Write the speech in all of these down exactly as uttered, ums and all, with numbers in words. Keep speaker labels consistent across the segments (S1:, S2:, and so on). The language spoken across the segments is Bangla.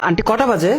S1: আন্টি কটা বাজে?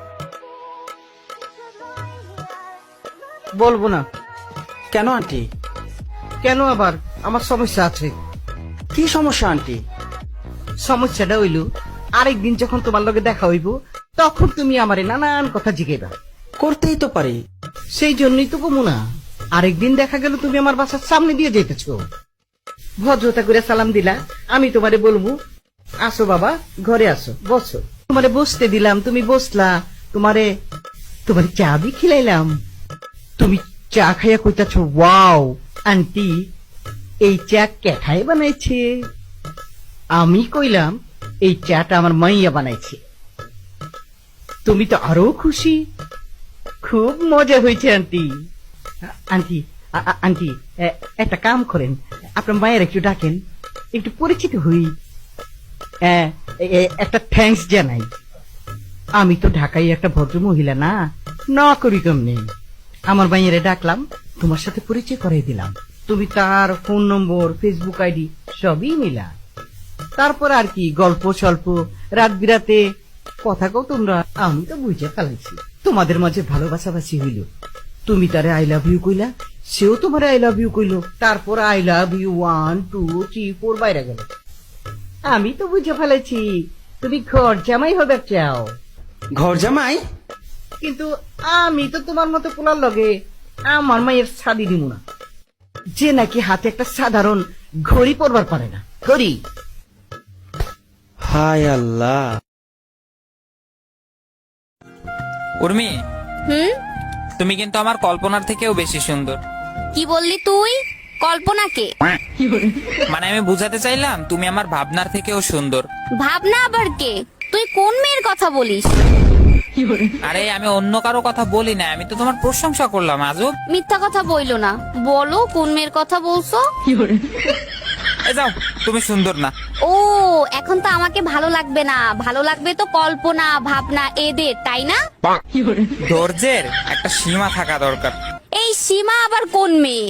S2: বলবো না।
S1: কেন আন্টি?
S2: কেন আবার? আমার সমস্যা আছে।
S1: কি সমস্যা আন্টি?
S2: সমস্যাটা হইল, আরেকদিন যখন তোমার লগে দেখা হইব তখন তুমি আমারে নানান কথা জিজ্ঞেবা।
S1: করতেই তো পারি।
S2: সেই জন্যই তো কমু না। আরেকদিন দেখা গেল তুমি আমার বাসার সামনে দিয়ে যেতেছ, ভদ্রতা করে সালাম দিলা, আমি তোমারে বলবো আসো বাবা ঘরে আসো বসো। তোমারে বসতে দিলাম, তুমি বসলা, তোমারে তোমারে চা বি খিলাইলাম, তুমি চা খাইয়া কইতাছ ওয়াও আন্টি এই চা কেঠাই বানাইছে। আমি কইলাম এই চাটা আমার মাইয়া বানাইছে। তুমি তো আরো খুশি, খুব মজা হয়েছে আন্টি। আন্টি আ- আ- আন্টি এ- একটা কাম করেন, আপনার মায়ের একটু ডাকেন, একটু পরিচিত হই, এ, এ- একটা থ্যাঙ্কস জানাই। আমি তো ঢাকায় একটা ভদ্র মহিলা না, না করি কেমনি। আমার মাইয়ারে ডাকলাম, তোমার সাথে পরিচয় করাই দিলাম, তুমি তার ফোন নম্বর ফেসবুক আইডি সবই মিলা। তারপর আর কি গল্প স্বল্প, রাত বিরাতে কথা কও তোমরা। আমি তো বুঝে ফেলাইছি তোমাদের মাঝে ভালোবাসাবাসি হইল। তুমি তারে আই লাভ ইউ কইলা, সেও তোমার আই লাভ ইউ কইলো, তারপর I love you one two three four বাইরে গেল। আমি তো বুঝে ফেলেছি তুমি ঘর জামাই হবে চাও।
S1: ঘর জামাই?
S2: কিন্তু আমি তো তোমার মতো পোলার লগে আমার মায়ের ছাদি দিব না, যে নাকি হাতে একটা সাধারণ ঘড়ি পরবার পারে না। ঘড়ি?
S1: হায় আল্লাহ।
S3: উর্মি,
S4: হুম?
S3: তুমি কিন্তু আমার কল্পনার থেকেও বেশি সুন্দর।
S4: কি বললি তুই? কল্পনাকে?
S3: মানে আমি বুঝাতে চাইলাম তুমি আমার ভাবনার থেকেও সুন্দর।
S4: ভাবনা আবার কে? তুই কোন মেয়ের কথা বলিস?
S3: আরে আমি অন্য কারো কথা বলি না, আমি তো তোমার প্রশংসা করলাম। আজব।
S4: মিথ্যা কথা বইলো না, বলো কোন মেয়ের কথা বলছো?
S3: এ যাও, তুমি সুন্দর না।
S4: ও এখন তো আমাকে ভালো লাগবে না, ভালো লাগবে তো কল্পনা ভাবনা এদের, তাই না?
S3: ধৈর্যের একটা সীমা থাকা দরকার।
S4: এই সীমা আবার কোন মেয়ে?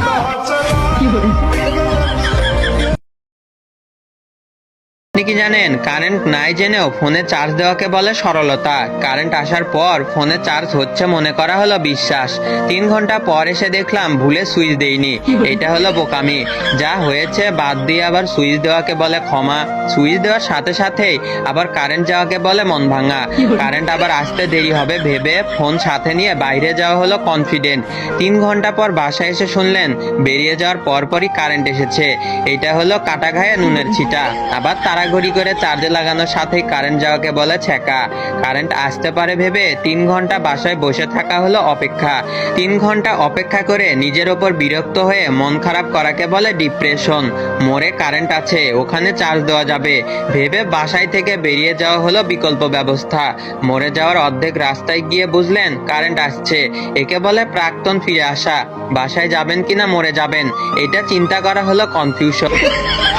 S5: আপনি কি জানেন কারেন্ট নাই জেনেও ফোনে চার্জ দেওয়াকে বলে সরলতা। কারেন্ট আসার পর ফোনে চার্জ হচ্ছে মনে করা হলো বিশ্বাস। তিন ঘন্টা পর এসে দেখলাম ভুলে সুইচ দেইনি, এটা হলো বোকামি। যা হয়েছে বাদ দিয়ে আবার সুইচ দেওয়াকে বলে ক্ষমা। সুইচ দেওয়ার সাথে সাথেই আবার কারেন্ট যাওয়াকে বলে মন ভাঙা। কারেন্ট আবার আসতে দেরি হবে ভেবে ফোন সাথে নিয়ে বাইরে যাওয়া হলো কনফিডেন্ট। তিন ঘন্টা পর বাসায় এসে শুনলেন বেরিয়ে যাওয়ার পরপরই কারেন্ট এসেছে, এটা হলো কাটা ঘায়ে নুনের ছিটা। আবার তাড়াঘড়ি করে চার্জে লাগানোর সাথেই কারেন্ট যাওয়াকে বলে ছেঁকা। কারেন্ট আসতে পারে ভেবে তিন ঘন্টা বাসায় বসে থাকা হলো অপেক্ষা। তিন ঘন্টা অপেক্ষা করে নিজের ওপর বিরক্ত হয়ে মন খারাপ করাকে বলে ডিপ্রেশন। মোড়ে কারেন্ট আছে, ওখানে চার্জ দেওয়া যাবে ভেবে বাসায় থেকে বেরিয়ে যাওয়া হলো বিকল্প ব্যবস্থা। মরে যাওয়ার অর্ধেক রাস্তায় গিয়ে বুঝলেন কারেন্ট আসছে, একে বলে প্রাক্তন ফিরে আসা। বাসায় যাবেন কিনা মরে যাবেন, এটা চিন্তা করা হলো কনফিউশন।